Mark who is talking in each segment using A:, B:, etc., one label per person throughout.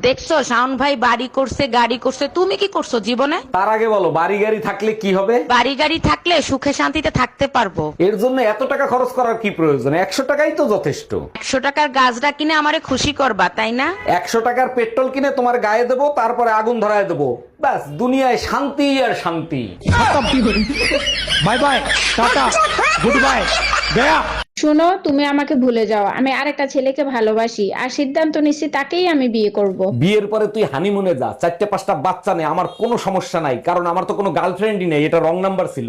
A: দেখছো শাওন ভাই বাড়ি করছে, গাড়ি করছে, তুমি কি করছো জীবনে?
B: তার আগে বলো, বাড়ি গাড়ি থাকলে কি হবে?
A: বাড়ি গাড়ি থাকলে সুখে শান্তিতে থাকতে পারবো।
B: এর জন্য এত টাকা খরচ করার কি প্রয়োজন? 100 টাকাই তো যথেষ্ট।
A: 100 টাকার গাছটা কিনে আমারে খুশি করবা, তাই না?
B: 100 টাকার পেট্রোল কিনে তোমার গায়ে দেবো, তারপরে আগুন ধরায় দেবো, ব্যাস দুনিয়ায় শান্তি আর শান্তি।
C: Bye bye, tata, goodbye, গয়া।
D: শোনো, তুমি আমাকে ভুলে যাও। আমি আরেকটা ছেলেকে ভালোবাসি আর সিদ্ধান্ত নিচ্ছি তাকেই আমি বিয়ে করব।
B: বিয়ের পরে তুই হানিমুনে যা, 4-5টা বাচ্চা নেই, আমার কোনো সমস্যা নাই, কারণ আমার তো কোনো গার্লফ্রেন্ডই নেই, এটা রং নাম্বার ছিল।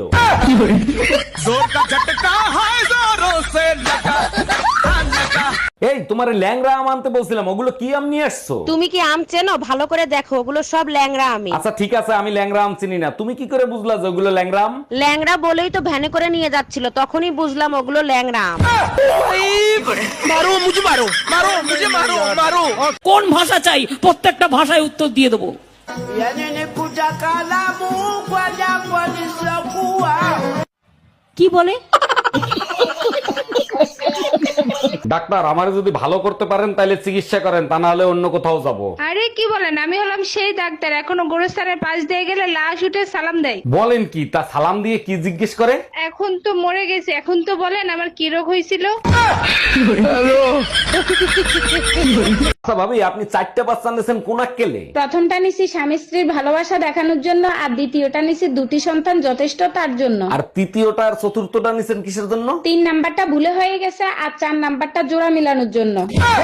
B: এই তোমার ল্যাংরা আম আনতে বলছিলাম, ওগুলো কি আম নিয়ে আসছো?
A: তুমি কি আম চেনো? ভালো করে দেখো, ওগুলো সব ল্যাংড়া আমি।
B: আচ্ছা ঠিক আছে, আমি ল্যাংরা আম চিনি না, তুমি কি করে বুঝলা যে ওগুলো ল্যাংরা আম?
A: ল্যাংড়া বলেই তো ভ্যানে করে নিয়ে যাচ্ছিল, তখনই বুঝলাম ওগুলো ল্যাংড়া আম।
C: মারো মুঝে, মারো মারো মুঝে, মারো মারো। কোন ভাষা চাই? প্রত্যেকটা ভাষায় উত্তর দিয়ে দেবো।
A: কি বলে?
B: ডাক্তার, আমারে যদি ভালো করতে পারেন তাহলে চিকিৎসা করেন, তা না হলে অন্য কোথাও যাব।
E: আরে কি বলেন, আমি হলাম সেই ডাক্তার, এখনো গোরস্থানের পাশ দিয়ে গেলে লাশ উঠে সালাম দেয়।
B: বলেন কি? তা সালাম দিয়ে কি জিজ্ঞেস করে?
E: এখন তো মরে গেছে, এখন তো বলেন আমার কি রোগ হয়েছিল।
B: আচ্ছা ভাবি, আপনি 4টা বাচ্চা নিয়েছেন কোন আক্কেলে?
D: প্রথমটা নিছি স্বামী স্ত্রীর ভালোবাসা দেখানোর জন্য, আর দ্বিতীয়টা নিছি দুটি সন্তান যথেষ্ট তার জন্য।
B: আর তৃতীয়টা আর চতুর্থটা নিছেন কিসের জন্য?
D: 3 নাম্বারটা ভুলে হয়ে গেছে, আর 4 নাম্বারটা জোড়া মিলানোর জন্য।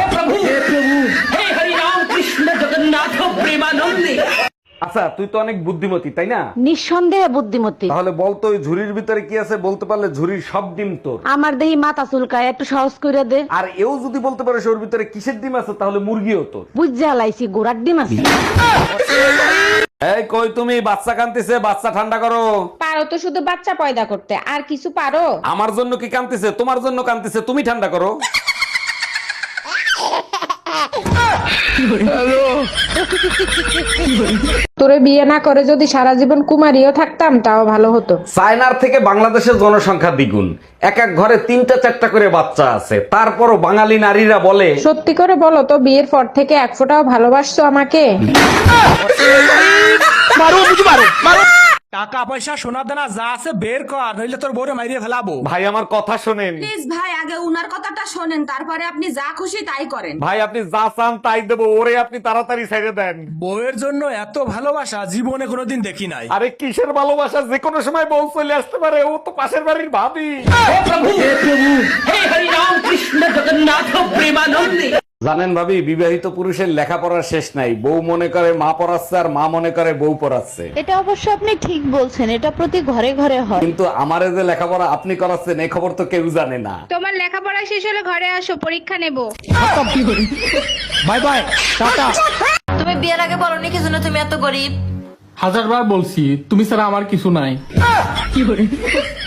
B: আচ্ছা, তুই তো অনেক বুদ্ধিমতী, তাই না?
A: নিঃসন্দেহে বুদ্ধিমতী।
B: তাহলে বলতো ওই ঝুড়ির ভিতরে কি আছে, বলতে পারলে ঝুড়ির সব ডিম তোর।
A: আমার দেহি মাথা চুলকায়, একটু সহজ করে দে।
B: আর এও যদি বলতে পারে ওর ভিতরে কিসের ডিম আছে, তাহলে মুরগিও তোর।
A: বুঝতে হালাইছি গোড়ার ডিম আছে।
B: এই কই তুমি? বাচ্চা কান্তিছে, বাচ্চা ঠান্ডা করো।
D: পারো তো শুধু বাচ্চা পয়দা করতে, আর কিছু পারো?
B: আমার জন্য কি কান্তিছে? তোমার জন্য কান্তিছে, তুমি ঠান্ডা করো।
D: তোরে বিয়ে না করে যদি সারা জীবন কুমারীও থাকতাম তাও ভালো হতো।
B: চায়নার থেকে বাংলাদেশের জনসংখ্যা দ্বিগুণ, এক এক ঘরে 3টা-4টা করে বাচ্চা আছে, তারপরও বাঙালি নারীরা বলে।
D: সত্যি করে বলো তো, বিয়ের পর থেকে এক ফোঁটাও ভালোবাসছো আমাকে?
C: মারো মুঝে, মারো মারো। টাকা পয়সা সোনা দানা যা আছে বের কর, নইলে তোর বউরে মাইরিয়ে ফেলাবো।
B: ভাই আমার কথা শোনেন।
F: প্লিজ ভাই, আগে উনার কথাটা শোনেন, তারপরে আপনি যা খুশি তাই করেন।
B: ভাই আপনি যা চান তাই দেবো, ওরে আপনি তাড়াতাড়ি ছেড়ে দেন।
C: বউয়ের জন্য এত ভালোবাসা জীবনে কোনোদিন দেখি নাই।
B: আরে কিসের ভালোবাসা, যে কোনো সময় বউ চলে আসতে পারে, ও তো পাশের বাড়ির ভাবি। জানেন ভাবি, বিবাহিত পুরুষের লেখাপড়ার শেষ নাই, বউ মনে করে মা পড়াচ্ছে আর মা মনে করে বউ পড়াচ্ছে।
A: এটা অবশ্য আপনি ঠিক বলছেন, এটা প্রতি ঘরে ঘরে হয়।
B: কিন্তু আমারে যে লেখাপড়া আপনি করাচ্ছেন এই খবর তো কেউ জানে না।
E: তোমার লেখাপড়া শেষ হলে ঘরে আসো, পরীক্ষা নেব।
C: Bye bye, tata.
F: তুমি বিয়ের আগে বলনি কি জন্য তুমি এত গরিব?
G: 1000বার বলছি, তুমি ছাড়া আমার কিছু নাই।